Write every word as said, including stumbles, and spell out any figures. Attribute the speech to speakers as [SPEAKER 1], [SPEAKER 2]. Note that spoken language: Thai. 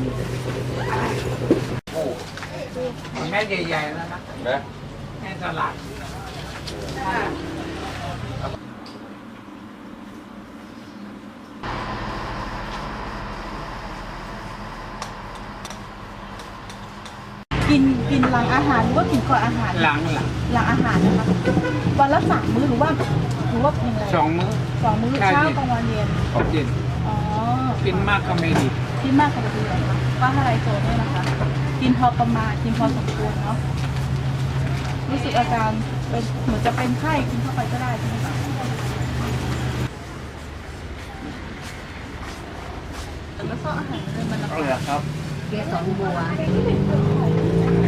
[SPEAKER 1] โอ้แม่ใหญ่ๆแล้วนะนะแม่สลัด
[SPEAKER 2] กินกินหลังอาหารหรือว่ากินก่อนอาหาร
[SPEAKER 1] หลังหลัง
[SPEAKER 2] หลังอาหารนะคะวันละสามมื้อหรือว่าหรือว่ากินอะไร
[SPEAKER 1] สองมื้อ
[SPEAKER 2] สองมื้อเช้ากลางวันเย็น
[SPEAKER 1] ขอบเย็น
[SPEAKER 2] อ๋อ
[SPEAKER 1] กินมากก็ไม่ดี
[SPEAKER 2] กินมากก็ไม่ดีเลยค่ะป้าอะไรโซนเนี่ยนะคะกินพอประมาณกินพอสมควรเนาะรู้สึกอาการเป็นเหมือนจะเป็นไข้กินเข้าไปก็ได้ใช่ไหมคะแล้วก็อาหารเลยมัน
[SPEAKER 1] เอาเลยครับ
[SPEAKER 3] เกสรบัว